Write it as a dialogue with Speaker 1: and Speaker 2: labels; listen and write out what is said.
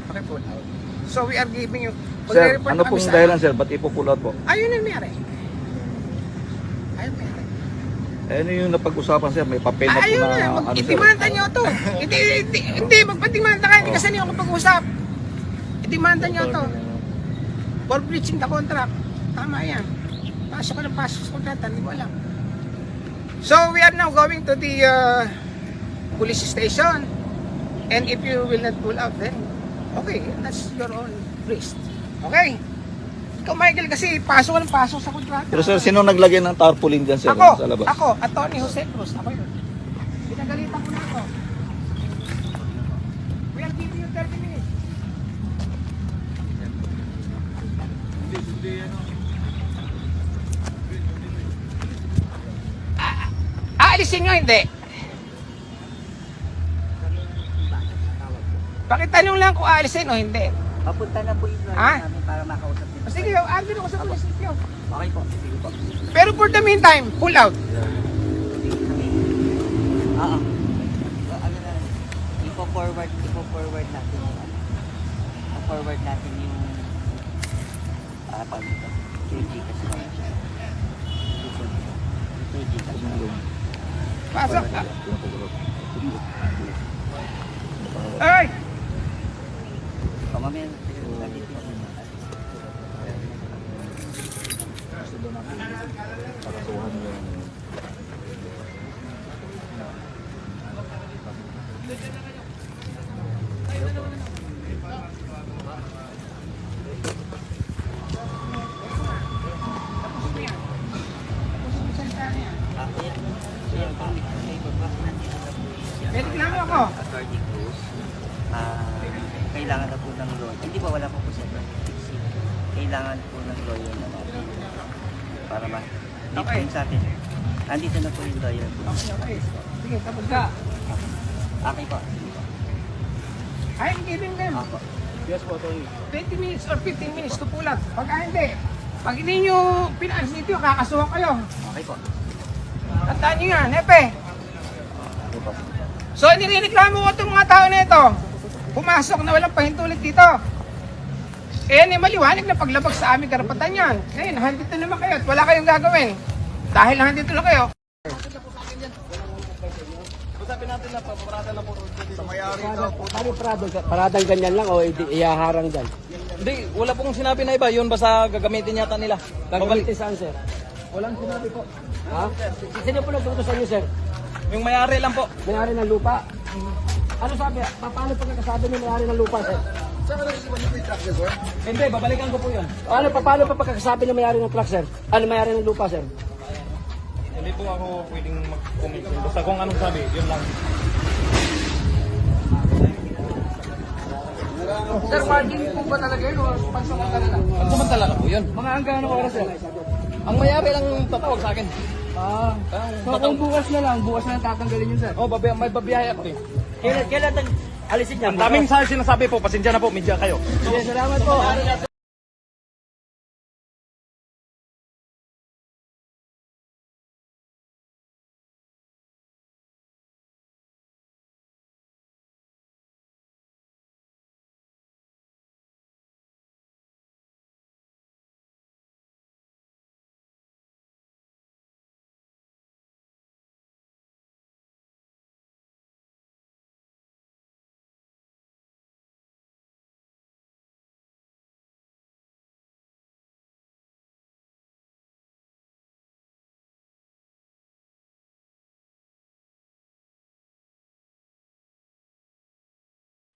Speaker 1: Paki-pull out. So we are giving you...
Speaker 2: Sir,
Speaker 1: Magre-report
Speaker 2: ano
Speaker 1: kami
Speaker 2: pong
Speaker 1: sa-
Speaker 2: dahilan sir? Ba't ipo-pull out po?
Speaker 1: Ayun ang mayari. Ayun mayari.
Speaker 2: Ano yung napag-usapan sir? May papel na po
Speaker 1: Ayun
Speaker 2: na
Speaker 1: na,
Speaker 2: ano sir?
Speaker 1: itimanda nyo to. Hindi, magpatimanda ka, hindi kasi niyo ako pag-usap. Itimanda nyo to. For breaching the contract. Tama yan. Pasok ka ng pasok sa kontrata, hindi ko alam. So we are now going to the police station. And if you will not pull out, then okay, that's your own risk. Okay? Ikaw, Michael, kasi pasok ka ng pasok sa kontrata.
Speaker 2: Pero sir, sino naglagay ng tarpaulin dyan sir?
Speaker 1: Ako,
Speaker 2: sa labas?
Speaker 1: Atty. Jose Cruz, ako yun. Pinagalitan ko na ako. We are giving you 30 minutes. Aalisin nyo, hindi. Pakitanong lang kung aalisin o hindi.
Speaker 3: Papunta na po yung lawyer
Speaker 1: Ah?
Speaker 3: namin para makausap din.
Speaker 1: O sige, argue ko sa munisipyo.
Speaker 3: Okay po, sige po.
Speaker 1: Pero for the meantime, pull out.
Speaker 3: Oo. Ano na, ipo-forward natin yung forward natin yung pag ito. 2G kasi naman siya. 2G kasi naman.
Speaker 1: Pasok. Ay!
Speaker 3: Mamaya,
Speaker 1: May reklamo ako.
Speaker 3: Attorney Cruz, kailangan na po ng lawyer. Hindi ba wala po po siya? Kailangan po ng lawyer na natin para dito
Speaker 1: Okay.
Speaker 3: sa atin. Andito na po yung lawyer po.
Speaker 1: Okay. Sige, tapos ka.
Speaker 3: Okay po.
Speaker 1: I'm giving them
Speaker 3: Ako.
Speaker 1: 20 minutes or 15 minutes to pull out. Pag hindi nyo pinaalis dito, kakasuhan kayo.
Speaker 3: Okay po.
Speaker 1: Tandaan nyo yan, Hepe. So, nireklamo ko itong mga tao na ito. Pumasok na walang pahintulit dito. Eh, maliwanag na paglabag sa aming karapatan yan. Ngayon, nandito naman kayo at wala kayong gagawin. Dahil nandito na kayo.
Speaker 4: Paradang ganyan lang o iyaharang dyan?
Speaker 5: Hindi, wala pong sinabi na iba. Yun basta gagamitin yata nila.
Speaker 4: Gagamitin saan, sir?
Speaker 5: Walang sinabi po.
Speaker 4: Ha? Sino po nagtuto sa inyo, sir?
Speaker 5: Yung may-ari lang po.
Speaker 4: May-ari ng lupa? Ano sabi? Paano pagkakasabi ng may-ari ng lupa, sir?
Speaker 5: Hindi, babalikan ko po yun.
Speaker 4: Paano pa pagkakasabi ng may-ari ng truck, sir? Ano may-ari ng lupa, sir?
Speaker 5: Hindi po ako pwedeng mag-comment. Basta kung anong sabi, yun lang.
Speaker 1: Sir, margin po ba talaga yun o pansamantala lang?
Speaker 5: Pagsamantala na po yun.
Speaker 4: Mga hanggang anong oras, sir?
Speaker 5: Ang may-ari lang tatawag sa akin.
Speaker 4: So kung bukas na lang tatanggalin yun, sir?
Speaker 5: Oh, may babiyahe ako eh.
Speaker 4: Kailan alisin niya?
Speaker 5: Ang daming sinasabi po, pasensya na po, media kayo.
Speaker 4: Sige, salamat po.